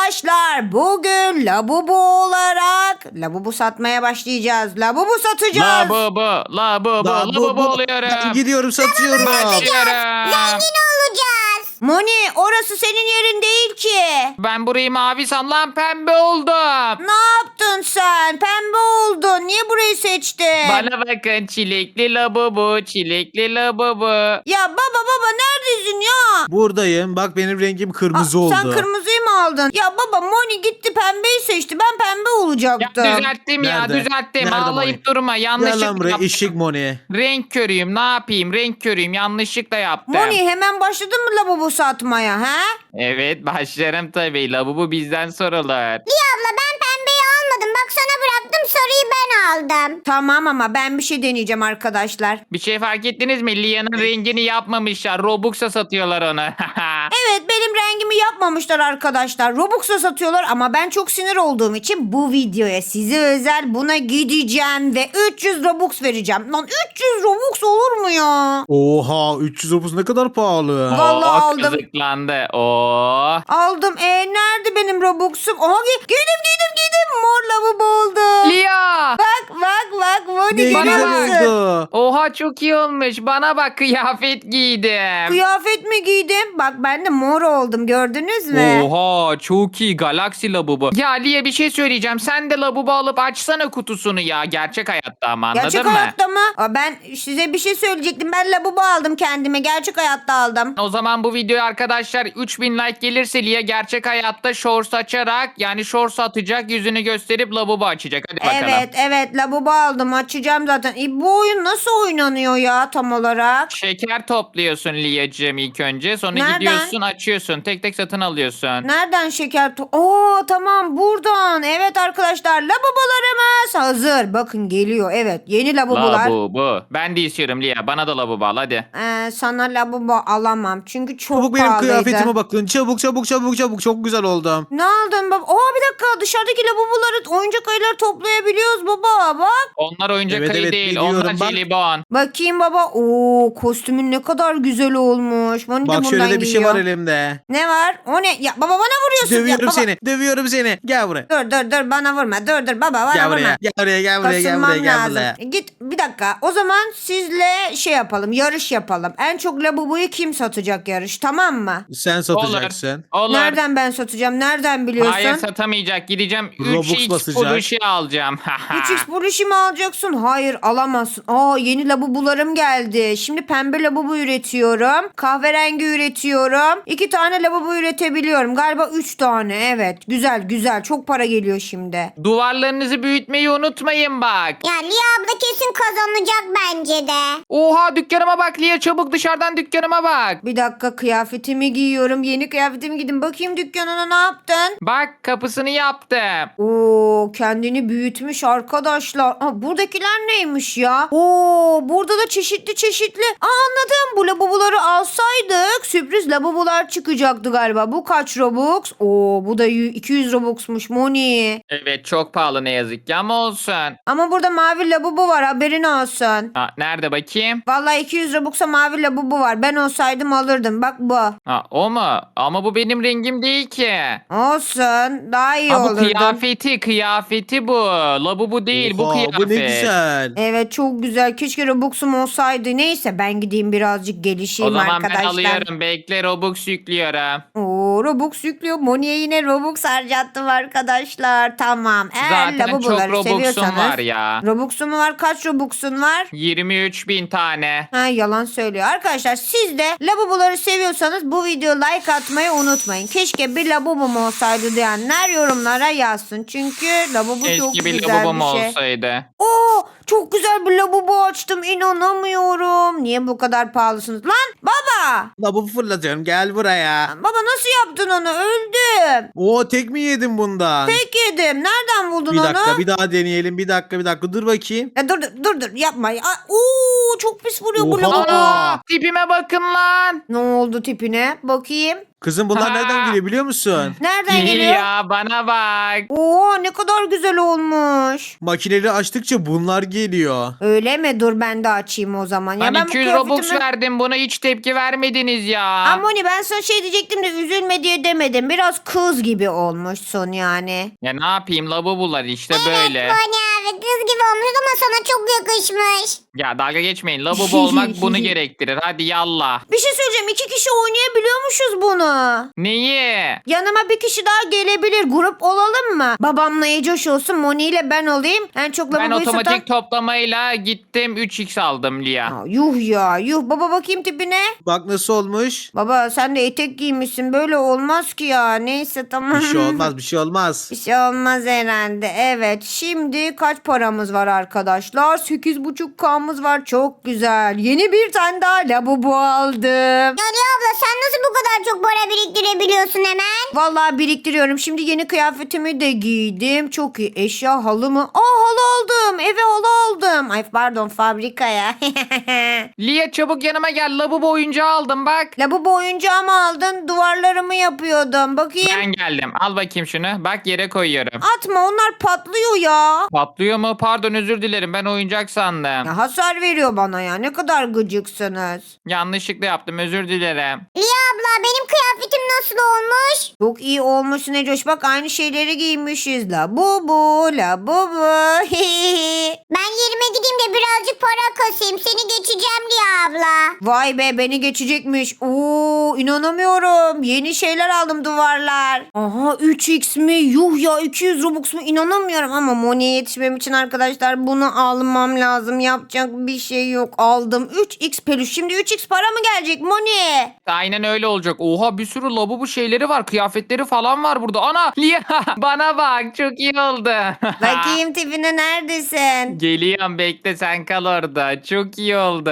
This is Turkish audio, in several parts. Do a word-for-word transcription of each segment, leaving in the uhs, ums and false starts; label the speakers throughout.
Speaker 1: Arkadaşlar bugün Labubu olarak Labubu satmaya başlayacağız. Labubu satacağız.
Speaker 2: Labubu, labubu,
Speaker 3: La bu
Speaker 2: labubu
Speaker 3: bu.
Speaker 2: oluyorum.
Speaker 3: Ben gidiyorum satıyorum.
Speaker 2: Başlıyorum.
Speaker 4: Zengin olacağız.
Speaker 1: Moni orası senin yerin değil ki.
Speaker 2: Ben burayı mavi sanlan pembe oldum.
Speaker 1: Ne yaptın sen? Pembe oldun. Niye burayı seçtin?
Speaker 2: Bana bakın çilekli labubu, çilekli labubu.
Speaker 1: Ya baba baba neredesin ya?
Speaker 3: Buradayım. Bak benim rengim kırmızı
Speaker 1: Aa,
Speaker 3: oldu.
Speaker 1: Sen kırmızıyı mı aldın? Ya baba Moni gitti pembeyi seçti. Ben pembe
Speaker 2: Ya
Speaker 1: olacaktım.
Speaker 2: düzelttim ya
Speaker 3: Nerede?
Speaker 2: düzelttim.
Speaker 3: Nerede
Speaker 2: Ağlayıp
Speaker 3: Moni?
Speaker 2: durma.
Speaker 3: Gel lan
Speaker 2: Yanlışlıkla
Speaker 3: buraya
Speaker 2: yaptım.
Speaker 3: eşek Moni.
Speaker 2: Renk körüyüm ne yapayım renk körüyüm yanlışlıkla yaptım.
Speaker 1: Moni hemen başladın mı Labubu satmaya ha?
Speaker 2: Evet başlarım tabii labubu bizden sorulur.
Speaker 4: Liya abla ben pembeyi almadım. Bak sana bıraktım, sarıyı ben aldım.
Speaker 1: Tamam ama ben bir şey deneyeceğim arkadaşlar.
Speaker 2: Bir şey fark ettiniz mi? Lia'nın rengini yapmamışlar. Robux'a satıyorlar onu.
Speaker 1: Evet benim rengimi yapmamışlar arkadaşlar. Robux'a satıyorlar ama ben çok sinir olduğum için bu videoya size özel buna gideceğim ve üç yüz Robux vereceğim. Lan üç yüz Robux olur mu ya?
Speaker 3: Oha üç yüz otuz ne kadar pahalı.
Speaker 1: Vallahi
Speaker 2: Oo,
Speaker 1: aldım.
Speaker 2: Kızıklandı. Oo.
Speaker 1: Aldım. E nerede benim Robux'um? Aha gi- giydim giydim giydim. Mor lavabo oldu.
Speaker 2: Lia.
Speaker 1: Bak bak bak. Moni
Speaker 3: Ne
Speaker 1: görüyor
Speaker 3: güzel
Speaker 1: musun?
Speaker 3: oldu.
Speaker 2: Oha çok iyi olmuş. Bana bak kıyafet giydim.
Speaker 1: Kıyafet mi giydim? Bak ben de mor oldum gördünüz mü?
Speaker 2: Oha çok iyi Galaxy Labubu. Ya Lia bir şey söyleyeceğim. Sen de Labubu alıp açsana kutusunu ya. Gerçek hayatta ama anladın
Speaker 1: Gerçek
Speaker 2: mı?
Speaker 1: hayatta mı? Aa, ben size bir şey söyleyecektim. Ben lavabo aldım kendime. Gerçek hayatta aldım.
Speaker 2: O zaman bu videoya arkadaşlar üç bin like gelirse Lia gerçek hayatta shorts açarak yani shorts atacak yüzünü gösterip Labubu açacak. Hadi bakalım.
Speaker 1: Evet evet lavabo aldım. Açacağım zaten. E, bu oyun nasıl oynanıyor ya tam olarak?
Speaker 2: Şeker topluyorsun Lia'cığım ilk önce. Sonra
Speaker 1: Nereden?
Speaker 2: gidiyorsun açıyorsun. Tek tek satın alıyorsun.
Speaker 1: Nereden şeker? to- Oo tamam buradan. Evet arkadaşlar lavabolarımız hazır. Bakın geliyor. Evet yeni lavabolar.
Speaker 2: Labubu. Ben de istiyorum Lia. Bana da Labubu al hadi.
Speaker 1: Ee, sana lavabo alamam. Çünkü çok
Speaker 3: Çabuk benim
Speaker 1: pahalıydı.
Speaker 3: kıyafetime bakın. Çabuk çabuk çabuk çabuk. Çok güzel oldum.
Speaker 1: Ne aldın baba? Oha bir dakika dışarıdaki lavaboları oyuncak ayıları toplayabiliyoruz baba bak.
Speaker 2: Onlar oyuncak
Speaker 3: Evet,
Speaker 2: ayı
Speaker 3: evet,
Speaker 2: değil.
Speaker 3: biliyorum.
Speaker 2: Onlar
Speaker 3: Bak.
Speaker 2: jelibon.
Speaker 1: Bakayım baba. Oo kostümün ne kadar güzel olmuş. Moni de
Speaker 3: Bak
Speaker 1: bundan
Speaker 3: şöyle de bir şey
Speaker 1: giyiyor.
Speaker 3: var elimde.
Speaker 1: Ne var? O ne? Ya baba bana vuruyorsun. ya,
Speaker 3: Dövüyorum
Speaker 1: baba.
Speaker 3: seni. Dövüyorum seni. Gel buraya.
Speaker 1: Dur dur dur bana vurma. Dur dur baba bana
Speaker 3: Gel
Speaker 1: vurma.
Speaker 3: buraya. Gel buraya. Gel buraya. Gel
Speaker 1: Kasılmam
Speaker 3: buraya. Gel
Speaker 1: lazım.
Speaker 3: buraya.
Speaker 1: E, Git bir dakika. O zaman sizle şey yapalım. Yarış yapalım. En çok labubuyu kim satacak yarış tamam mı?
Speaker 3: Sen satacaksın.
Speaker 2: Olur. Olur.
Speaker 1: Nereden ben satacağım? Nereden biliyorsun?
Speaker 2: Hayır satamayacak. Gideceğim
Speaker 3: Robux
Speaker 2: üç x
Speaker 3: basacak.
Speaker 2: Puluş'u alacağım.
Speaker 1: üç x buluşu mu alacaksın? Hayır alamazsın. Aa yeni labubularım geldi. Şimdi pembe labubu üretiyorum. Kahverengi üretiyorum. iki tane labubu üretebiliyorum. Galiba üç tane. Evet. Güzel güzel. Çok para geliyor şimdi.
Speaker 2: Duvarlarınızı büyütmeyi unutmayın bak.
Speaker 4: Ya Liya abla kesin kazanacak bence de.
Speaker 2: Oha dükkanıma bak Lia çabuk dışarıdan dükkanıma bak.
Speaker 1: Bir dakika kıyafetimi giyiyorum. Yeni kıyafetimi giydim. Bakayım dükkanına ne yaptın?
Speaker 2: Bak kapısını yaptım.
Speaker 1: Oo kendini büyütmüş arkadaşlar. Aa, buradakiler neymiş ya? Oo burada da çeşitli çeşitli. Aa, anladım. Bu labubuları alsaydık sürpriz labubular çıkacaktı galiba. Bu kaç Robux? Oo bu da y- iki yüz Robux'muş Moni.
Speaker 2: Evet çok pahalı ne yazık ki ama olsun.
Speaker 1: Ama burada mavi labubu var haberin olsun.
Speaker 2: Ha, nerede bakayım?
Speaker 1: Vallahi iki yüz Robux'a mavi labubu var. Ben olsaydım alırdım. Bak bu.
Speaker 2: Ha, o mu? Ama bu benim rengim değil ki.
Speaker 1: Olsun. Daha iyi
Speaker 2: Ha, bu
Speaker 1: olurdu.
Speaker 2: kıyafeti kıyafeti bu. Labubu değil bu
Speaker 3: Oha,
Speaker 2: kıyafet.
Speaker 3: bu ne güzel.
Speaker 1: Evet çok güzel. Keşke Robux'um olsaydı. Neyse ben gideyim birazcık
Speaker 2: O
Speaker 1: gelişeyim
Speaker 2: zaman
Speaker 1: arkadaşlar.
Speaker 2: ben alıyorum. Bekle Robux yüklüyorum.
Speaker 1: Oo, Robux yüklüyor. Moni'ye yine Robux harcattım arkadaşlar. Tamam. Eğer
Speaker 2: Zaten çok
Speaker 1: labubuları
Speaker 2: Robux'um
Speaker 1: seviyorsanız.
Speaker 2: var ya.
Speaker 1: Robux'um var. Kaç Robux'un var?
Speaker 2: yirmi üç bin tane.
Speaker 1: Ha yalan söylüyor. Arkadaşlar siz de labubuları seviyorsanız bu videoya like atmayı unutmayın. Keşke bir labubum olsaydı diyenler yorumlara yazsın. Çünkü labubu çok
Speaker 2: Keşke bir
Speaker 1: güzel
Speaker 2: labubum
Speaker 1: bir şey.
Speaker 2: olsaydı.
Speaker 1: Oo, çok güzel bir lavabo açtım. İnanamıyorum. Niye bu kadar pahalısınız? Lan baba.
Speaker 3: La bu fırlatıyorum. Gel buraya.
Speaker 1: Baba nasıl yaptın onu? Öldüm.
Speaker 3: Oo tek mi yedin bundan?
Speaker 1: Tek yedim. Nereden buldun
Speaker 3: Bir
Speaker 1: onu?
Speaker 3: dakika bir daha deneyelim. Bir dakika bir dakika dur bakayım.
Speaker 1: Ya dur dur dur dur yapma. Ya, oo, Oo çok pis vuruyor bu
Speaker 3: Oha.
Speaker 1: lavabo.
Speaker 2: Aa, tipime bakın lan.
Speaker 1: Ne oldu tipine? Bakayım.
Speaker 3: Kızım bunlar
Speaker 2: Ha.
Speaker 3: nereden geliyor biliyor musun?
Speaker 1: Nereden geliyor?
Speaker 2: Ya bana bak.
Speaker 1: Oo ne kadar güzel olmuş.
Speaker 3: Makineleri açtıkça bunlar geliyor.
Speaker 1: Öyle mi? Dur ben de açayım o zaman. Ya
Speaker 2: Ben
Speaker 1: ben bu
Speaker 2: iki yüz Robux
Speaker 1: kıyafetimi-
Speaker 2: verdim, buna hiç tepki vermediniz ya.
Speaker 1: Amoni ben sana şey diyecektim de üzülme diye demedim. Biraz kız gibi olmuşsun yani.
Speaker 2: Ya ne yapayım, labubular işte böyle.
Speaker 4: Evet Moni abi kız gibi olmuş ama sana çok yakışmış.
Speaker 2: Ya dalga geçmeyin, labubu olmak bunu gerektirir. Hadi yallah.
Speaker 1: Bir şey söyleyeceğim. İki kişi oynayabiliyormuşuz bunu.
Speaker 2: Neyi?
Speaker 1: Yanıma bir kişi daha gelebilir. Grup olalım mı? Babamla Ecoş olsun. Moni ile ben olayım. En çok
Speaker 2: Ben
Speaker 1: lavaboyu
Speaker 2: otomatik
Speaker 1: satan...
Speaker 2: toplamayla gittim üç x aldım Lia.
Speaker 1: Aa, yuh ya yuh. Baba bakayım tipine.
Speaker 3: Bak nasıl olmuş.
Speaker 1: Baba sen de etek giymişsin. Böyle olmaz ki ya. Neyse tamam.
Speaker 3: Bir şey olmaz bir şey olmaz.
Speaker 1: Bir şey olmaz herhalde. Evet. Şimdi kaç paramız var arkadaşlar? sekiz buçuk K'mız var. Çok güzel. Yeni bir tane daha lavabo aldım.
Speaker 4: Yani abla sen nasıl bu kadar çok para biriktirebiliyorsun hemen?
Speaker 1: Vallahi biriktiriyorum. Şimdi yeni kıyafetimi de giydim. Çok iyi. Eşya halı mı? Aa halı aldım. Eve halı aldım. Ay pardon fabrikaya.
Speaker 2: Lia çabuk yanıma gel, labubu oyuncağı aldım bak.
Speaker 1: Lavabo oyuncağımı aldın. Duvarlarımı yapıyordum. Bakayım.
Speaker 2: Ben geldim, al bakayım şunu, bak yere koyuyorum.
Speaker 1: Atma onlar patlıyor ya.
Speaker 2: Patlıyor mu? Pardon, özür dilerim, ben oyuncak sandım.
Speaker 1: Ya hasar veriyor bana ya. Ne kadar gıcıksınız.
Speaker 2: Yanlışlıkla yaptım, özür dilerim.
Speaker 4: Liya abla benim kıyafetim nasıl olmuş?
Speaker 1: Çok iyi olmuşsun Ecoş. Bak aynı şeyleri giymişiz. La bu bu la bu bu.
Speaker 4: Ben yerime gideyim de birazcık para kasayım. Seni geçeceğim Liya abla.
Speaker 1: Vay be beni geçecekmiş. Oo inanamıyorum. Yeni şeyler aldım duvarlar. Aha üç x mi? Yuh ya iki yüz Robux mu? İnanamıyorum ama Moni'ye yetişmem için arkadaşlar bunu almam lazım. Yapacak bir şey yok. Aldım. üç x peluş. Şimdi üç x para mı gelecek Moni?
Speaker 2: Aynen öyle olacak. Oha, bir sürü labubu şeyleri var, kıyafetleri falan var burada. Ana Lia bana bak, çok iyi oldu.
Speaker 1: Bakayım tipine neredesin?
Speaker 2: Geliyorum, bekle, sen kal orada. Çok iyi oldu.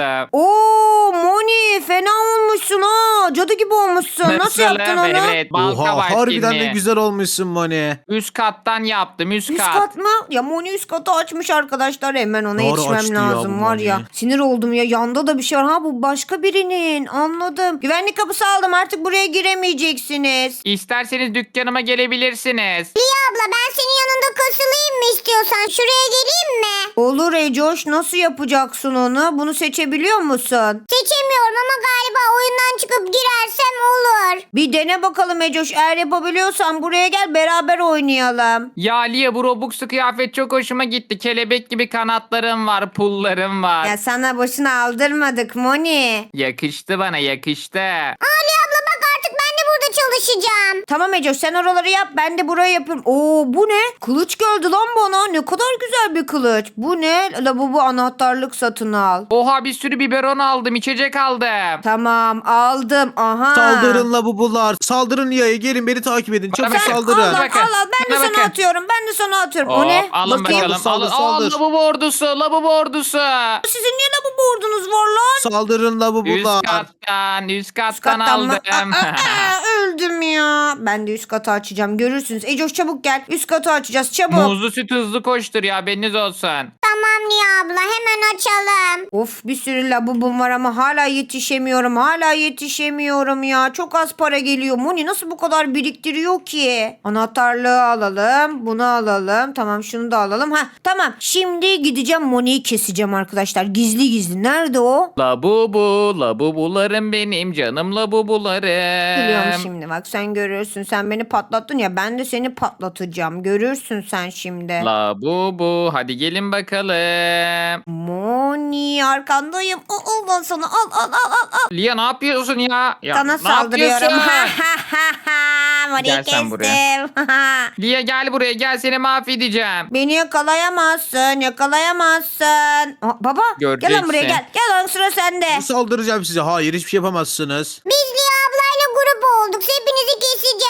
Speaker 1: Oo Moni fena olmuşsun ha. Cadı gibi olmuşsun. Nasıl yaptın onu?
Speaker 2: Evet, balta
Speaker 3: Oha
Speaker 2: var
Speaker 3: harbiden
Speaker 2: şimdi.
Speaker 3: de güzel olmuşsun Moni.
Speaker 2: Üst kattan yaptım, üst,
Speaker 1: Üst
Speaker 2: kat.
Speaker 1: kat mı? Ya Moni üst katı açmış arkadaşlar. Hemen ona
Speaker 3: Doğru
Speaker 1: yetişmem
Speaker 3: açtı ya
Speaker 1: lazım
Speaker 3: bu
Speaker 1: var ya.
Speaker 3: Moni.
Speaker 1: Sinir oldum ya. Yanda da bir şey var. Ha bu başka birinin. Anladım. Güvenlik kapısı aldım. Artık buraya giremeyeceksiniz.
Speaker 2: İsterseniz dükkanıma gelebilirsiniz.
Speaker 4: Liya abla ben senin yanında kasılayım mı istiyorsan? Şuraya geleyim mi?
Speaker 1: Olur Ecoş. Nasıl yapacaksın onu? Bunu seçebiliyor musun?
Speaker 4: Seçemiyorum ama galiba oyundan çıkıp girersem olur.
Speaker 1: Bir dene bakalım Ecoş. Eğer yapabiliyorsan buraya gel beraber oynayalım.
Speaker 2: Ya Lia, bu Robux'lu kıyafet çok hoşuma gitti. Kelebek gibi kanatlarım var, pullarım var.
Speaker 1: Ya sana boşuna aldırmadık Moni.
Speaker 2: Yakıştı bana, yakıştı.
Speaker 4: Aa Liya abla bak artık ben de burada çalışacağım.
Speaker 1: Tamam Ecoş sen oraları yap ben de burayı yapıyorum. Oo bu ne? Kılıç geldi lan bana. Ne kadar güzel bir kılıç. Bu ne? Lavabo anahtarlık satın al.
Speaker 2: Oha, bir sürü biberon aldım, içecek aldım.
Speaker 1: Tamam aldım. Aha.
Speaker 3: Saldırın labubular. Saldırın Lia'ya gelin beni takip edin. Çabuk
Speaker 2: bakın.
Speaker 1: Sen
Speaker 3: saldırın.
Speaker 1: al, al,
Speaker 2: Bakın.
Speaker 1: al, al. Ben de
Speaker 2: Bana
Speaker 1: sana
Speaker 2: bakın.
Speaker 1: atıyorum. Ben de sana atıyorum.
Speaker 2: Hop,
Speaker 1: O ne?
Speaker 2: alın
Speaker 1: Bakayım.
Speaker 2: bakalım.
Speaker 3: Saldır,
Speaker 2: Alın.
Speaker 3: saldır.
Speaker 2: Aa, labubu ordusu, labubu ordusu.
Speaker 1: Sizin niye lavabo ordunuz var lan?
Speaker 3: Saldırın
Speaker 2: Üst
Speaker 3: labubular.
Speaker 2: kattan, üst
Speaker 1: Üst
Speaker 2: kattan,
Speaker 1: kattan mı?
Speaker 2: aldım.
Speaker 1: Aa, aa, öldüm ya. Ben de üst katı açacağım. Görürsünüz. Ecoş çabuk gel. Üst katı açacağız. Çabuk.
Speaker 2: Muzlu süt hızlı koştur ya, haberiniz olsun.
Speaker 4: Tamam Liya abla hemen açalım.
Speaker 1: Of bir sürü labubum var ama hala yetişemiyorum. Hala yetişemiyorum ya. Çok az para geliyor. Moni nasıl bu kadar biriktiriyor ki? Anahtarlığı alalım. Bunu alalım. Tamam şunu da alalım. Ha tamam. Şimdi gideceğim Moni'yi keseceğim arkadaşlar. Gizli gizli. Nerede o?
Speaker 2: Labubu, labubularım benim canım labubularım.
Speaker 1: Biliyorum şimdi bak sen görürsün. Sen beni patlattın ya ben de seni patlatacağım. Görürsün sen şimdi.
Speaker 2: Labubu, hadi gelin bakalım.
Speaker 1: Moni arkandayım. Al, al lan sana al al al al. al.
Speaker 2: Lia ne yapıyorsun ya? Ya
Speaker 1: Sana
Speaker 2: ne
Speaker 1: saldırıyorum.
Speaker 2: yapıyorsun?
Speaker 1: Moni'yi
Speaker 2: Gel sen buraya.
Speaker 1: kestim.
Speaker 2: Lia gel buraya, gel, seni mahvedeceğim.
Speaker 1: Beni yakalayamazsın. Yakalayamazsın. Aa, baba gel lan buraya
Speaker 2: Göreceksin.
Speaker 1: gel. Gel lan sıra sende.
Speaker 3: Saldıracağım size. Hayır hiçbir şey yapamazsınız.
Speaker 4: Biz Liya ablayla grup olduk. Hepinizi keseceğiz.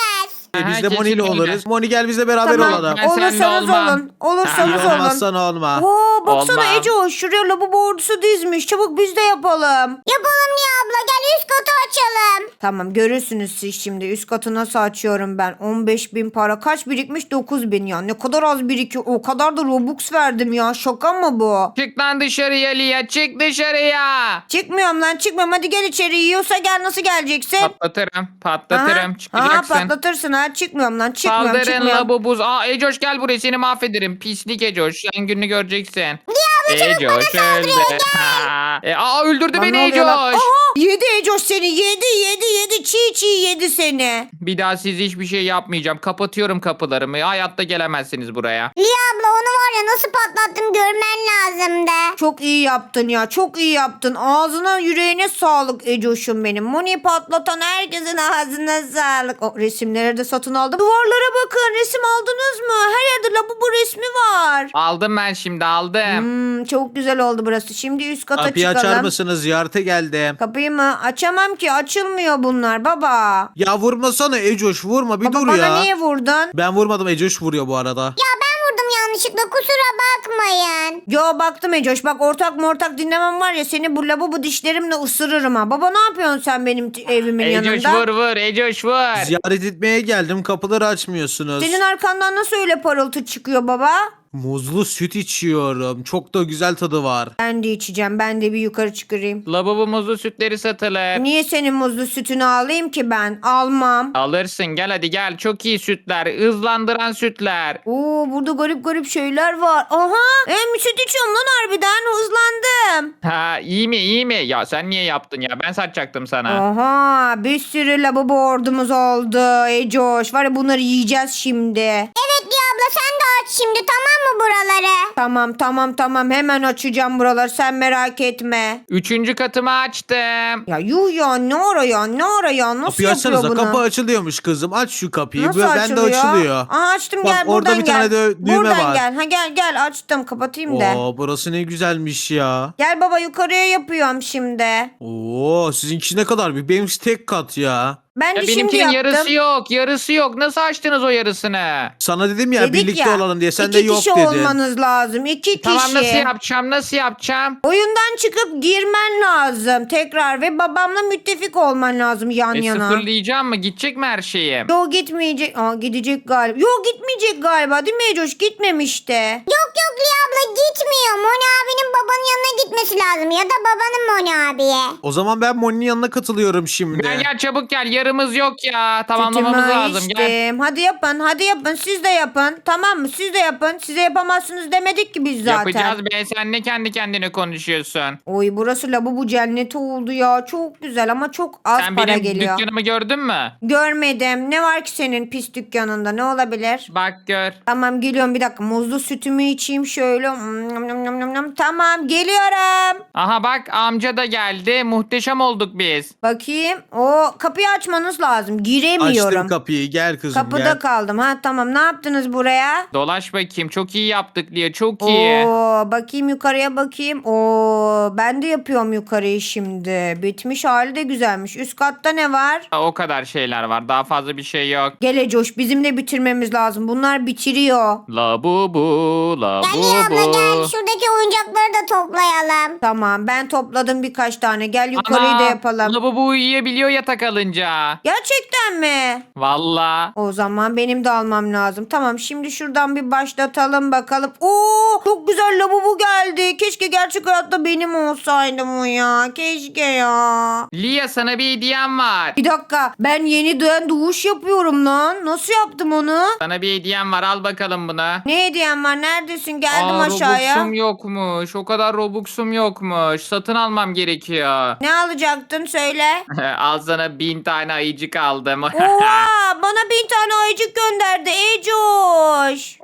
Speaker 3: E,
Speaker 2: Aha,
Speaker 3: biz de Moni ile
Speaker 2: kesin öyle.
Speaker 3: oluruz. Moni gel bizle beraber
Speaker 1: Tamam.
Speaker 3: olalım.
Speaker 2: Ben seninle
Speaker 1: Olursanız
Speaker 2: olmam.
Speaker 1: olun. Olursanız
Speaker 3: İyi
Speaker 1: olun.
Speaker 3: olmazsan olma.
Speaker 1: Oo, baksana
Speaker 2: Olmam.
Speaker 1: Ece o şuraya lavabo ordusu dizmiş. Çabuk biz de yapalım.
Speaker 4: Yapalım Lia abla, gel üst katı açalım.
Speaker 1: Tamam görürsünüz siz şimdi. Üst katı nasıl açıyorum ben? on beş bin para. Kaç birikmiş? dokuz bin ya. Ne kadar az birikiyor. O kadar da Robux verdim ya. Şaka mı bu?
Speaker 2: Çık lan dışarıya Lia, çık dışarıya.
Speaker 1: Çıkmıyorum lan çıkmıyorum. Hadi gel içeri. Yiyorsa gel, nasıl geleceksin?
Speaker 2: Patlatırım, patlatırım.
Speaker 1: Aha,
Speaker 2: Çıkacaksın.
Speaker 1: aha, patlatırsın ha. Çıkmıyorum lan. Çıkmıyorum
Speaker 2: Saldırın
Speaker 1: çıkmıyorum.
Speaker 2: labubuz. Aa Ecoş gel buraya, seni mahvederim. Pislik Ecoş. Sen gününü göreceksin.
Speaker 4: Lia abla çabuk bana
Speaker 2: Ecoş
Speaker 4: saldırıyor,
Speaker 2: öldü.
Speaker 4: gel.
Speaker 2: Ha. E, aa öldürdü
Speaker 1: Lan
Speaker 2: beni
Speaker 1: ne oluyor lan?
Speaker 2: Ecoş.
Speaker 1: Aha, yedi Ecoş seni. Yedi yedi yedi. Çiğ çiğ yedi seni.
Speaker 2: Bir daha siz hiçbir şey yapmayacağım. Kapatıyorum kapılarımı. Hayatta gelemezsiniz buraya.
Speaker 4: Lia abla onu var ya nasıl patlattım görmen lazımdı.
Speaker 1: Çok iyi yaptın ya. Çok iyi yaptın. Ağzına yüreğine sağlık Ecoş'um benim. Moni patlatan herkesin ağzına sağlık. O resimleri de satın aldım. Duvarlara bakın. Resim aldınız mı? Her yerde lavabo resmi var.
Speaker 2: Aldım ben şimdi, aldım.
Speaker 1: Hmm, çok güzel oldu burası. Şimdi üst kata
Speaker 3: Kapıyı
Speaker 1: çıkalım.
Speaker 3: açar mısınız? Ziyarete geldim.
Speaker 1: Kapıyı mı? Açamam ki. Açılmıyor bunlar baba.
Speaker 3: Ya vurmasana Ecoş, vurma bir
Speaker 1: Baba
Speaker 3: dur
Speaker 1: bana
Speaker 3: ya.
Speaker 1: niye vurdun?
Speaker 3: Ben vurmadım, Ecoş vuruyor bu arada.
Speaker 4: Ya ben vurdum yanlışlıkla, kusura bakmayın.
Speaker 1: Yo baktım Ecoş. Bak ortak mortak dinlemem var ya, seni bu lavabo dişlerimle ısırırım ha. Baba ne yapıyorsun sen benim t- evimin
Speaker 2: Ecoş
Speaker 1: yanında?
Speaker 2: vur vur, Ecoş vur.
Speaker 3: Ziyaret etmeye geldim, kapıları açmıyorsunuz.
Speaker 1: Senin arkandan nasıl öyle parıltı çıkıyor baba?
Speaker 3: Muzlu süt içiyorum. Çok da güzel tadı var.
Speaker 1: Ben de içeceğim. Ben de bir yukarı çıkarayım.
Speaker 2: Lavabo muzlu sütleri satılır.
Speaker 1: Niye senin muzlu sütünü alayım ki ben? Almam.
Speaker 2: Alırsın, gel hadi gel. Çok iyi sütler. Hızlandıran sütler.
Speaker 1: Oo burada garip garip şeyler var. Aha hem süt içiyorum lan harbiden. Hızlandım.
Speaker 2: Ha iyi mi iyi mi? Ya sen niye yaptın ya? Ben satacaktım sana.
Speaker 1: Aha bir sürü lavabo ordumuz oldu. Ecoş var ya, bunları yiyeceğiz şimdi.
Speaker 4: Evet Lia abla sen de aç şimdi, tamam mı buraları?
Speaker 1: Tamam tamam tamam hemen açacağım buraları, sen merak etme.
Speaker 2: Üçüncü katımı açtım.
Speaker 1: Ya yuh ya, ne ara ya ne ara ya, nasıl
Speaker 3: Kapıyı
Speaker 1: yapıyor
Speaker 3: açsanıza,
Speaker 1: bunu?
Speaker 3: kapı açılıyormuş kızım. Aç şu kapıyı.
Speaker 1: Nasıl
Speaker 3: ben
Speaker 1: açılıyor?
Speaker 3: de açılıyor.
Speaker 1: Aa, açtım
Speaker 3: Bak,
Speaker 1: gel
Speaker 3: orada
Speaker 1: buradan
Speaker 3: bir
Speaker 1: gel.
Speaker 3: tane de düğme
Speaker 1: buradan
Speaker 3: var.
Speaker 1: gel. Ha gel gel açtım, kapatayım da.
Speaker 3: Oo, burası ne güzelmiş ya.
Speaker 1: Gel baba yukarıya yapıyorum şimdi.
Speaker 3: Oo, sizinkisi ne kadar büyük. Benimkisi tek kat ya.
Speaker 1: Ben
Speaker 2: Ya
Speaker 1: de şimdi
Speaker 2: benimkinin
Speaker 1: yaptım.
Speaker 2: yarısı yok. Yarısı yok. Nasıl açtınız o yarısını?
Speaker 3: Sana dedim ya
Speaker 1: Dedik
Speaker 3: birlikte
Speaker 1: ya,
Speaker 3: olalım diye. Sen
Speaker 1: iki
Speaker 3: de yok
Speaker 1: kişi
Speaker 3: dedin.
Speaker 1: olmanız lazım. İki kişi.
Speaker 2: Tamam nasıl yapacağım? Nasıl yapacağım?
Speaker 1: Oyundan çıkıp girmen lazım tekrar ve babamla müttefik olman lazım yan
Speaker 2: E,
Speaker 1: yana.
Speaker 2: sıfırlayacağım mı? Gidecek mi her şeyim?
Speaker 1: Yo gitmeyecek. Aa gidecek galiba. Yo gitmeyecek galiba değil mi Ecoş? Gitmemişti.
Speaker 4: Yok yok Lia abla gitmiyor. Moni abinin babanın yanına gitmesi lazım ya da babanın Moni abiye.
Speaker 3: O zaman ben Moni'nin yanına katılıyorum şimdi.
Speaker 2: Gel gel çabuk gel. Yarımız yok ya. Tamamlamamız
Speaker 1: Sütümü
Speaker 2: lazım. Gel.
Speaker 1: içtim. Hadi yapın hadi yapın, siz de yapın. Tamam mı? Siz de yapın. Size yapamazsınız demedik ki biz zaten.
Speaker 2: Yapacağız be. Sen ne kendi kendine konuşuyorsun?
Speaker 1: Oy burası lavabo cenneti oldu ya. Çok güzel ama çok az
Speaker 2: Sen
Speaker 1: para
Speaker 2: benim
Speaker 1: geliyor.
Speaker 2: dükkanımı gördün mü?
Speaker 1: Görmedim. Ne var ki senin pis dükkanında? Ne olabilir?
Speaker 2: Bak gör.
Speaker 1: Tamam geliyorum, bir dakika. Muzlu sütümü içeyim şöyle. Mm, nom, nom, nom, nom, nom. Tamam geliyorum.
Speaker 2: Aha bak amca da geldi. Muhteşem olduk biz.
Speaker 1: Bakayım. O kapıyı açmanız lazım. Giremiyorum.
Speaker 3: Açtım kapıyı, gel kızım
Speaker 1: Kapıda
Speaker 3: gel.
Speaker 1: kaldım. Ha tamam, ne yaptınız buraya?
Speaker 2: Dolaş bakayım. Çok iyi yaptık diye. Çok iyi.
Speaker 1: Oo, bakayım yukarıya bakayım. Oo, ben de yapıyorum yukarıyı şimdi. Bitmiş hali de güzelmiş. Üst katta ne var?
Speaker 2: O kadar şeyler var. Daha fazla bir şey yok.
Speaker 1: Gele Coş, bizimle bitirmemiz lazım. Bunlar bitiriyor.
Speaker 2: La bu bu, la
Speaker 4: Gel
Speaker 2: bu
Speaker 4: Lia abla gel
Speaker 2: bu.
Speaker 4: şuradaki oyuncakları da toplayalım.
Speaker 1: Tamam ben topladım birkaç tane. Gel yukarıyı
Speaker 2: Ana,
Speaker 1: da yapalım.
Speaker 2: La bu bu uyuyabiliyor yatak alınca.
Speaker 1: Gerçekten mi?
Speaker 2: Valla.
Speaker 1: O zaman benim de almam lazım. Tamam şimdi şuradan bir başlatalım bakalım. Oo çok güzel lavabo geldi. Keşke gerçek hayatta benim olsaydı bu ya. Keşke ya.
Speaker 2: Lia sana bir hediyem var.
Speaker 1: Bir dakika, ben yeniden doğuş yapıyorum lan. Nasıl yaptım onu?
Speaker 2: Sana bir hediyem var. Al bakalım bunu.
Speaker 1: Ne hediyem var? Neredesin? Geldim
Speaker 2: Aa,
Speaker 1: aşağıya.
Speaker 2: Robux'um yokmuş. O kadar Robux'um yokmuş. Satın almam gerekiyor.
Speaker 1: Ne alacaktın söyle.
Speaker 2: Al sana bin tane ayıcık aldım.
Speaker 1: Oha bana bin tane ayıcık gönderdi Ecoş.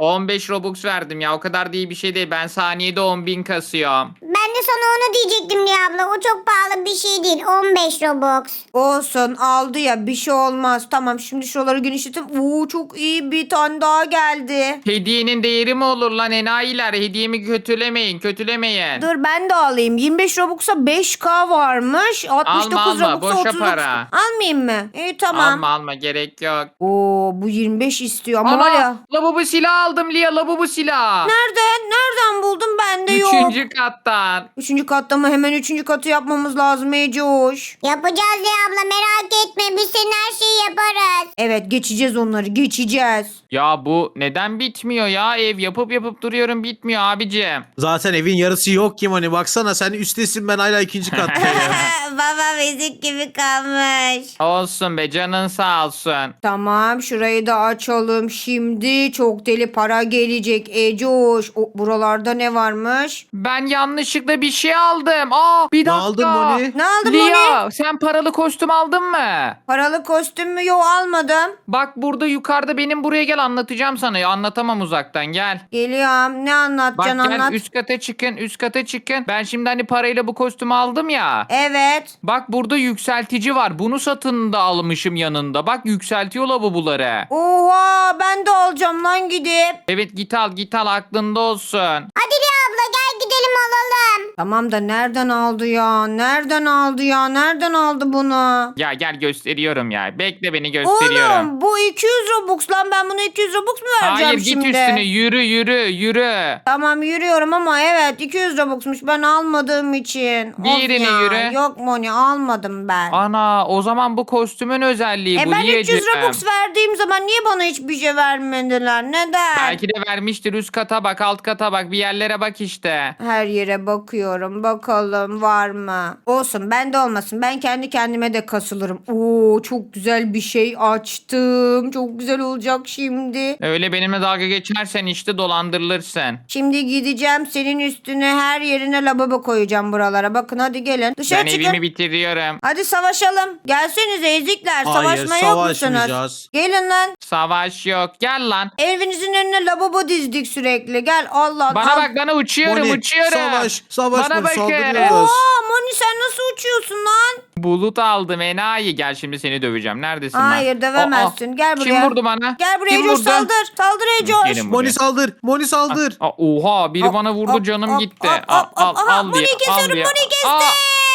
Speaker 2: on beş Robux verdim ya. O kadar değil bir şey değil. Ben saniyede on bin kasıyorum.
Speaker 4: Ben de sana onu diyecektim Liya abla. O çok pahalı bir şey değil. on beş Robux.
Speaker 1: Olsun aldı ya bir şey olmaz. Tamam şimdi şuraları genişletim. Oo çok iyi bir tane daha geldi.
Speaker 2: Hediyenin değeri mi olur lan enayiler? Hediyemi kötülemeyin, kötülemeyin.
Speaker 1: Dur ben de alayım. yirmi beş Robux'a beş K varmış. altmış dokuz
Speaker 2: Alma, alma.
Speaker 1: Robux'a
Speaker 2: Boşa
Speaker 1: otuz
Speaker 2: para.
Speaker 1: Almayayım mı? İyi tamam.
Speaker 2: Alma alma gerek yok.
Speaker 1: Oo bu yirmi beş istiyor ama var
Speaker 2: Ama
Speaker 1: ya.
Speaker 2: lavabo silah aldım Lia, lavabo silah.
Speaker 1: Nereden? Nereden buldun? Bende yok.
Speaker 2: Üçüncü kattan.
Speaker 1: Üçüncü katta mı? Hemen üçüncü katı yapmamız lazım Ecoş.
Speaker 4: Yapacağız Liya abla, merak etme. Biz senin her şeyi yaparız.
Speaker 1: Evet geçeceğiz onları geçeceğiz.
Speaker 2: Ya bu neden bitmiyor ya? Ev yapıp yapıp duruyorum, bitmiyor abicim.
Speaker 3: Zaten evin yarısı yok ki Moni. Baksana sen üsttesin, ben hala ikinci kattayım.
Speaker 1: Baba bezik gibi kalmış.
Speaker 2: Olsun be, canın sağ olsun.
Speaker 1: Tamam şurayı da açalım. Şimdi çok deli para gelecek Ecoş. O, buralarda ne varmış?
Speaker 2: Ben yanlışlıkla bir şey aldım. Aa, bir
Speaker 3: Ne
Speaker 2: dakika.
Speaker 3: aldın Moni?
Speaker 1: Ne aldın
Speaker 2: Lia,
Speaker 1: Moni?
Speaker 2: sen paralı kostüm aldın mı?
Speaker 1: Paralı kostüm mü? Yok almadım.
Speaker 2: Bak burada yukarıda, benim buraya gel, anlatacağım sana. Ya, anlatamam uzaktan, gel.
Speaker 1: Geliyorum. Ne
Speaker 2: Bak
Speaker 1: anlatacaksın
Speaker 2: gel,
Speaker 1: anlat.
Speaker 2: üst kata çıkın, üst kata çıkın. Ben şimdi hani parayla bu kostümü aldım ya.
Speaker 1: Evet.
Speaker 2: Bak burada yükseltici var. Bunu satın da almışım yanında. Bak yükseltiyor lavaboları.
Speaker 1: Oha ben de alacağım lan gidip.
Speaker 2: Evet git al, git al, aklında olsun.
Speaker 4: Hadi Liya abla gel gidelim alalım.
Speaker 1: Tamam da nereden aldı ya? Nereden aldı ya? Nereden aldı bunu?
Speaker 2: Ya gel gösteriyorum ya. Bekle, beni gösteriyorum.
Speaker 1: Oğlum bu iki yüz Robux lan ben buna iki yüz Robux mu vereceğim
Speaker 2: Hayır, git
Speaker 1: şimdi?
Speaker 2: üstüne, yürü yürü yürü.
Speaker 1: Tamam yürüyorum ama evet iki yüz Robux'muş ben almadığım için. Of
Speaker 2: Diğerini
Speaker 1: ya,
Speaker 2: yürü.
Speaker 1: Yok Moni almadım ben.
Speaker 2: Ana, o zaman bu kostümün özelliği
Speaker 1: e
Speaker 2: bu
Speaker 1: ben üç yüz
Speaker 2: Liyeciğim.
Speaker 1: Robux verdiğim zaman niye bana hiçbir şey vermediler? Neden?
Speaker 2: Belki de vermiştir, üst kata bak, alt kata bak, bir yerlere bak işte.
Speaker 1: Her yere bakıyorum. Bakalım var mı? Olsun bende olmasın. Ben kendi kendime de kasılırım. Oo çok güzel bir şey açtım. Çok güzel olacak şimdi.
Speaker 2: Öyle benimle dalga geçersen işte dolandırılırsın.
Speaker 1: Şimdi gideceğim senin üstüne her yerine lavabo koyacağım buralara. Bakın hadi gelin. Dışarı
Speaker 2: Ben
Speaker 1: çıkın.
Speaker 2: evimi bitiriyorum.
Speaker 1: Hadi savaşalım. Gelsenize ezikler.
Speaker 3: Hayır,
Speaker 1: Savaşmaya yok musunuz?
Speaker 3: savaşmayacağız.
Speaker 1: Gelin lan.
Speaker 2: Savaş yok. Gel lan.
Speaker 1: Evinizin önüne lavabo dizdik sürekli. Gel Allah.
Speaker 2: Bana
Speaker 1: al.
Speaker 2: bak, bana uçuyorum,
Speaker 3: Moni,
Speaker 2: uçuyorum.
Speaker 3: savaş, savaş
Speaker 2: Bana
Speaker 3: Moni,
Speaker 2: bakın.
Speaker 3: saldırıyoruz.
Speaker 1: Oha Moni sen nasıl uçuyorsun lan?
Speaker 2: Bulut aldım enayi. Gel şimdi seni döveceğim. Neredesin lan?
Speaker 1: Hayır dövemezsin.
Speaker 2: Aa,
Speaker 1: Gel buraya.
Speaker 2: Kim vurdu bana?
Speaker 1: Gel buraya
Speaker 2: Kim
Speaker 1: Ecoş
Speaker 2: vurdu?
Speaker 1: saldır. Saldır Ecoş.
Speaker 2: Gelin buraya.
Speaker 3: Moni saldır, Moni saldır.
Speaker 2: Aa, oha, biri
Speaker 1: Hop,
Speaker 2: bana vurdu,
Speaker 1: hop,
Speaker 2: canım
Speaker 1: hop,
Speaker 2: gitti.
Speaker 1: hop,
Speaker 2: Al
Speaker 1: hop,
Speaker 2: al
Speaker 1: hop. Aha,
Speaker 2: al diye.
Speaker 1: Moni'yi kesiyorum,
Speaker 2: al diye.
Speaker 1: Moni'yi kestim.
Speaker 2: Aa,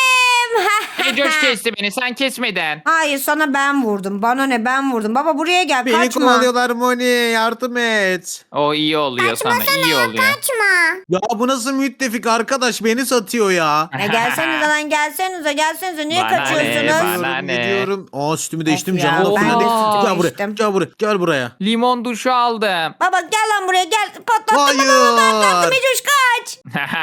Speaker 2: Ecoş kesti beni, sen kesmeden.
Speaker 1: Hayır sana ben vurdum. Bana ne ben vurdum. Baba buraya gel
Speaker 3: Beni
Speaker 1: kaçma.
Speaker 3: kovalıyorlar Moni, yardım et.
Speaker 2: O iyi oluyor sana, iyi oluyor.
Speaker 4: Kaçma.
Speaker 3: Ya bu nasıl müttefik arkadaş, beni satıyor ya.
Speaker 1: Ya gelsenize lan gelsenize gelsenize. Niye
Speaker 2: Bana ne,
Speaker 1: kaçıyorsunuz?
Speaker 2: bana
Speaker 3: Gidiyorum,
Speaker 2: ne?
Speaker 3: gidiyorum. Aa sütümü değiştim,
Speaker 1: ya,
Speaker 3: canım da
Speaker 2: ben
Speaker 3: fullendi.
Speaker 2: de sütümü
Speaker 3: Gel buraya,
Speaker 1: değiştim.
Speaker 3: gel buraya, gel buraya.
Speaker 2: Limon duşu aldım.
Speaker 1: Baba gel lan buraya gel. Patlattım
Speaker 3: Hayır.
Speaker 1: baba patlattım Ecoş kaç.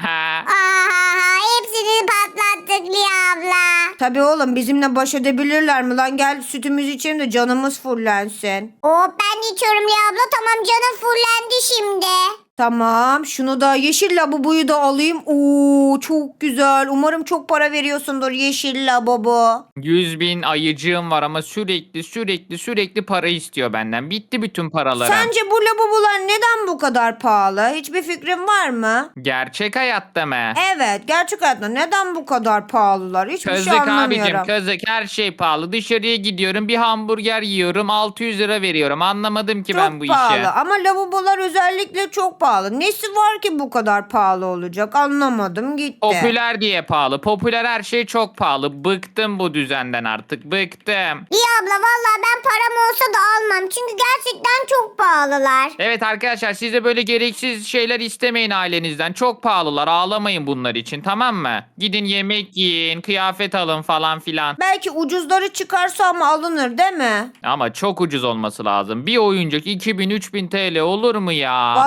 Speaker 4: Aha, hepsini patlattık Liya abla.
Speaker 1: Tabii oğlum bizimle baş edebilirler mi lan? Gel sütümüzü içelim de canımız fullensin.
Speaker 4: Oh ben de içiyorum Liya abla. Tamam canım fullendi şimdi.
Speaker 1: Tamam şunu da yeşil labubuyu da alayım. Oo çok güzel. Umarım çok para veriyorsundur yeşil labubu.
Speaker 2: yüz bin ayıcığım var ama sürekli sürekli sürekli para istiyor benden. Bitti bütün paralarım.
Speaker 1: Sence bu labubular neden bu kadar pahalı? Hiçbir fikrin var mı?
Speaker 2: Gerçek hayatta mı?
Speaker 1: Evet gerçek hayatta neden bu kadar pahalılar? Hiçbir
Speaker 2: Kızık
Speaker 1: şey
Speaker 2: abicim,
Speaker 1: anlamıyorum.
Speaker 2: kızık, her şey pahalı. Dışarıya gidiyorum, bir hamburger yiyorum, altı yüz lira veriyorum. Anlamadım ki
Speaker 1: Çok
Speaker 2: ben bu
Speaker 1: pahalı
Speaker 2: işi.
Speaker 1: ama lavabolar özellikle çok pahalı. Nesi var ki bu kadar pahalı olacak? Anlamadım gitti.
Speaker 2: Popüler diye pahalı. Popüler her şey çok pahalı. Bıktım bu düzenden artık. Bıktım.
Speaker 4: Liya abla valla ben param olsa da almam. Çünkü gerçekten çok pahalılar.
Speaker 2: Evet arkadaşlar, siz de böyle gereksiz şeyler istemeyin ailenizden. Çok pahalılar. Ağlamayın bunlar için, tamam mı? Gidin yemek yiyin, kıyafet alın falan filan.
Speaker 1: Belki ucuzları çıkarsa ama alınır değil mi?
Speaker 2: Ama çok ucuz olması lazım. Bir oyuncak iki bin üç bin T L olur mu ya?
Speaker 1: Vallahi olmaz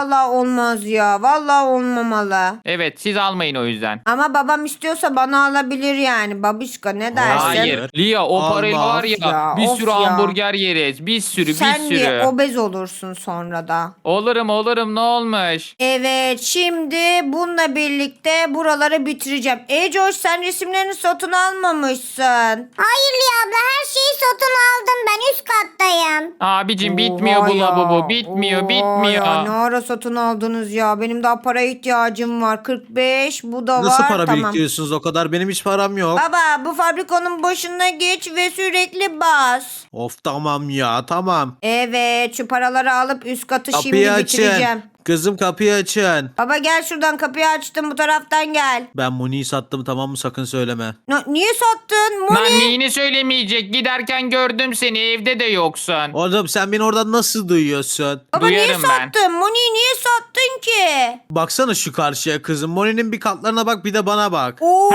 Speaker 1: olmaz ya. Vallahi olmamalı.
Speaker 2: Evet siz almayın o yüzden.
Speaker 1: Ama babam istiyorsa bana alabilir yani. Babişka ne dersin?
Speaker 2: Hayır. Lia o
Speaker 3: Allah.
Speaker 2: parayla var ya,
Speaker 1: Ya,
Speaker 2: bir
Speaker 1: of
Speaker 2: sürü
Speaker 1: ya.
Speaker 2: hamburger yeriz. Bir sürü
Speaker 1: Sen
Speaker 2: bir sürü.
Speaker 1: de obez olursun sonra da.
Speaker 2: Olurum olurum ne olmuş?
Speaker 1: Evet, şimdi bununla birlikte buraları bitireceğim. Ecoş, sen resimlerini satın almamışsın.
Speaker 4: Hayır Liya abla her şeyi satın aldım. Ben üst kattayım.
Speaker 2: Abicim bitmiyor
Speaker 1: Oha
Speaker 2: bu
Speaker 1: ya,
Speaker 2: lavabo. Bitmiyor
Speaker 1: oha
Speaker 2: bitmiyor.
Speaker 1: Ya, ne ara satın aldınız ya? Benim daha para ihtiyacım var. kırk beş bu da
Speaker 3: Nasıl
Speaker 1: var.
Speaker 3: para
Speaker 1: Tamam.
Speaker 3: biriktiriyorsunuz o kadar? Benim hiç param yok.
Speaker 1: Baba, bu fabrikanın başına geç ve sürekli bas.
Speaker 3: Of tamam ya tamam.
Speaker 1: Evet, şu paraları alıp üst katı
Speaker 3: Kapıyı
Speaker 1: şimdi
Speaker 3: açın.
Speaker 1: bitireceğim.
Speaker 3: Kızım kapıyı açın.
Speaker 1: Baba gel şuradan, kapıyı açtım, bu taraftan gel.
Speaker 3: Ben Muni'yi sattım tamam mı, sakın söyleme.
Speaker 1: Na- niye sattın?
Speaker 2: Lan
Speaker 1: Moni.
Speaker 2: neyini söylemeyecek? Giderken gördüm seni, evde de yoksun.
Speaker 3: Oğlum sen beni oradan nasıl duyuyorsun?
Speaker 1: Baba niye
Speaker 2: Duyarım ben.
Speaker 1: sattın? Moni'yi niye sattın ki?
Speaker 3: Baksana şu karşıya kızım. Moni'nin bir katlarına bak, bir de bana bak.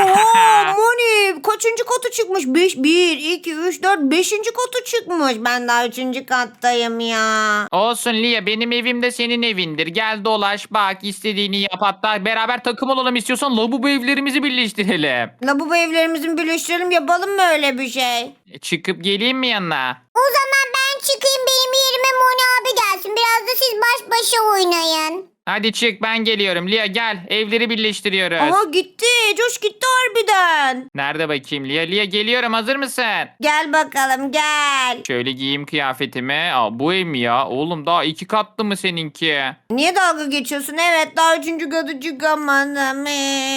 Speaker 1: Oha Moni kaçıncı katı çıkmış? Beş, bir, iki, üç, dört, beşinci katı çıkmış. Ben daha üçüncü kattayım ya.
Speaker 2: Olsun Lia, benim evim de senin evindir. Gel dolaş bak, istediğini yap, hatta beraber takım olalım, istiyorsan lavabo evlerimizi birleştirelim.
Speaker 1: Lavabo evlerimizi birleştirelim, yapalım mı öyle bir şey?
Speaker 2: E, Çıkıp geleyim mi yanına?
Speaker 4: O zaman ben çıkayım benim yerime Moni abi gelsin. Biraz da siz baş başa oynayın.
Speaker 2: Hadi çık, ben geliyorum. Lia gel, evleri birleştiriyoruz.
Speaker 1: Aha gitti. Coş gitti harbiden.
Speaker 2: Nerede bakayım Lia? Lia geliyorum, hazır mısın?
Speaker 1: Gel bakalım gel.
Speaker 2: Şöyle giyeyim kıyafetimi. Aa, bu ev mi ya? Oğlum daha iki katlı mı seninki?
Speaker 1: Niye dalga geçiyorsun? Evet, daha üçüncü katı çıkamadım.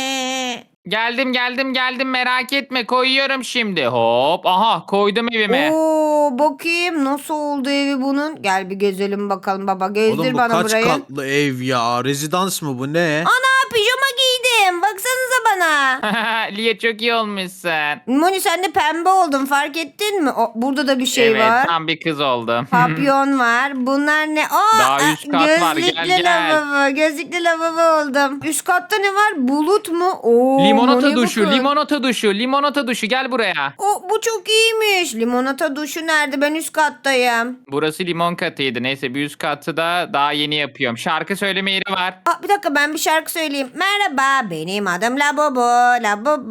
Speaker 1: Ee.
Speaker 2: Geldim geldim geldim, merak etme, koyuyorum şimdi. Hop, aha koydum evime.
Speaker 1: Oo, bakayım nasıl oldu evi bunun. Gel bir gezelim bakalım baba. Gezdir
Speaker 3: Oğlum bu
Speaker 1: bana
Speaker 3: kaç
Speaker 1: burayı.
Speaker 3: katlı ev ya? Rezidans mı bu, ne?
Speaker 1: Ana, pijama giydim. Baksanıza bana.
Speaker 2: Lia çok iyi olmuşsun.
Speaker 1: Moni sen de pembe oldun, fark ettin mi? O, burada da bir şey
Speaker 2: evet
Speaker 1: var.
Speaker 2: tam bir kız oldum.
Speaker 1: Papyon var. Bunlar ne? Aa,
Speaker 2: Daha üst kat var, gel,
Speaker 1: gözlüklü
Speaker 2: gel.
Speaker 1: lavabo. Gözlüklü lavabo oldum. Üst katta ne var? Bulut mu? Oo,
Speaker 2: Limonata
Speaker 1: Moni
Speaker 2: duşu,
Speaker 1: bakın.
Speaker 2: limonata duşu, limonata duşu, gel buraya.
Speaker 1: O, bu çok iyiymiş. Limonata duşu nerede? Ben üst kattayım.
Speaker 2: Burası limon katıydı. Neyse bir üst katı da daha yeni yapıyorum. Şarkı söyleme yeri var.
Speaker 1: Aa, bir dakika, ben bir şarkı söyleyeyim. Merhaba, benim adım Labubu. Labubu.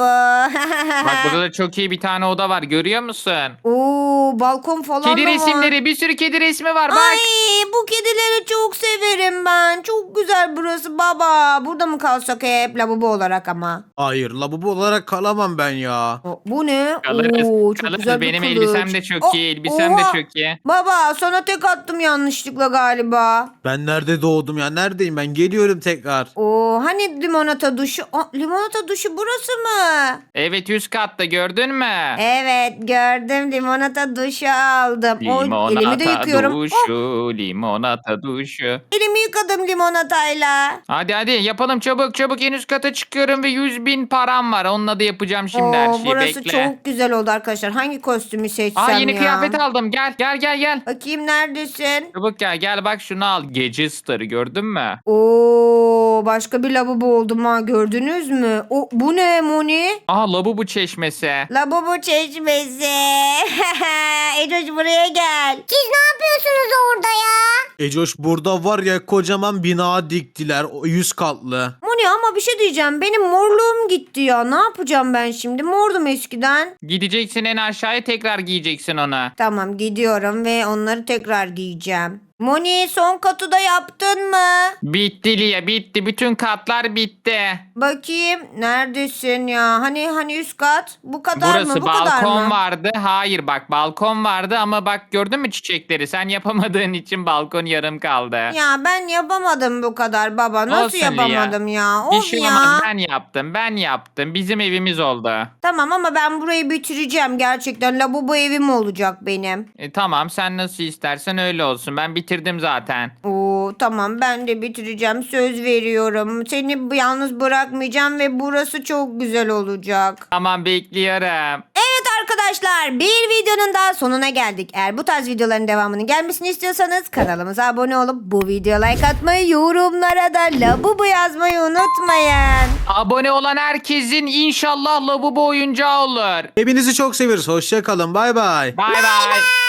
Speaker 2: Bak burada da çok iyi bir tane oda var, görüyor musun?
Speaker 1: Oo, balkon falan
Speaker 2: Kedi
Speaker 1: da var.
Speaker 2: resimleri, bir sürü kedi resmi var bak.
Speaker 1: Ay, bu kedileri çok severim ben. Çok güzel burası baba. Burada mı kalsak hep lavabo olarak ama?
Speaker 3: Hayır, lavabo olarak kalamam ben ya.
Speaker 1: O, bu ne?
Speaker 2: Kalırız,
Speaker 1: Oo, çok
Speaker 2: kalırız.
Speaker 1: güzel bir
Speaker 2: Benim
Speaker 1: kılıç.
Speaker 2: elbisem de çok
Speaker 1: O-
Speaker 2: iyi, elbisem
Speaker 1: oha.
Speaker 2: de çok iyi.
Speaker 1: Baba sana tek attım yanlışlıkla galiba.
Speaker 3: Ben nerede doğdum ya? Neredeyim ben? Geliyorum tekrar.
Speaker 1: Oo, hani limonata duşu? Aa, limonata duşu burası mı?
Speaker 2: Evet üst katta, gördün mü?
Speaker 1: Evet, gördüm, limonata duşu aldım. O, elimi de
Speaker 2: Limonata
Speaker 1: yıkıyorum. Oh,
Speaker 2: duşu, limonata duşu.
Speaker 1: elimi yıkadım limonatayla.
Speaker 2: Hadi hadi yapalım çabuk çabuk, en üst kata çıkıyorum ve yüz bin param var. Onunla da yapacağım şimdi her
Speaker 1: Oo,
Speaker 2: şeyi,
Speaker 1: burası
Speaker 2: bekle.
Speaker 1: çok güzel oldu arkadaşlar. Hangi kostümü seçsem
Speaker 2: Aa yeni
Speaker 1: ya?
Speaker 2: kıyafet aldım, gel gel gel gel.
Speaker 1: Bakayım neredesin?
Speaker 2: Çabuk gel gel, bak şunu al. Gece starı gördün mü?
Speaker 1: Oo, başka bir lavabo oldum ha, gördünüz mü? O, bu ne Moni?
Speaker 2: Aha labubu çeşmesi.
Speaker 1: Lavabo çeşmesi. Ecoş buraya gel.
Speaker 4: Siz ne yapıyorsunuz orada ya?
Speaker 3: Ecoş burada var ya, kocaman bina diktiler. O yüz katlı.
Speaker 1: Moni ama bir şey diyeceğim. Benim morluğum gitti ya. Ne yapacağım ben şimdi? Mordum eskiden.
Speaker 2: Gideceksin en aşağıya, tekrar giyeceksin onu.
Speaker 1: Tamam, gidiyorum ve onları tekrar giyeceğim. Moni, son katı da yaptın mı?
Speaker 2: Bitti Lia, bitti. Bütün katlar bitti.
Speaker 1: Bakayım neredesin ya? Hani hani üst kat? Bu kadar
Speaker 2: Burası
Speaker 1: mı? Bu kadar
Speaker 2: balkon
Speaker 1: mı?
Speaker 2: vardı. Hayır bak, balkon vardı ama bak gördün mü çiçekleri? Sen yapamadığın için balkon yarım kaldı.
Speaker 1: Ya ben yapamadım bu kadar baba. Nasıl
Speaker 2: Olsun Lia.
Speaker 1: yapamadım ya?
Speaker 2: Bir
Speaker 1: Of
Speaker 2: şey
Speaker 1: ya.
Speaker 2: olmaz, ben yaptım ben yaptım. Bizim evimiz oldu.
Speaker 1: Tamam ama ben burayı bitireceğim gerçekten. Lavabo evim olacak benim.
Speaker 2: E, tamam sen nasıl istersen öyle olsun. Ben bitirdim zaten.
Speaker 1: Oo, tamam, ben de bitireceğim. Söz veriyorum. Seni bu- yalnız bırakmayacağım ve burası çok güzel olacak.
Speaker 2: Tamam bekliyorum.
Speaker 1: Evet arkadaşlar, bir videonun daha sonuna geldik. Eğer bu tarz videoların devamının gelmesini istiyorsanız kanalımıza abone olup bu videoya like atmayı, yorumlara da Labubu yazmayı unutmayın.
Speaker 2: Abone olan herkesin inşallah lavabo oyuncağı olur.
Speaker 3: Hepinizi çok seviyoruz. Hoşça kalın. Bay bay.
Speaker 2: Bay bay.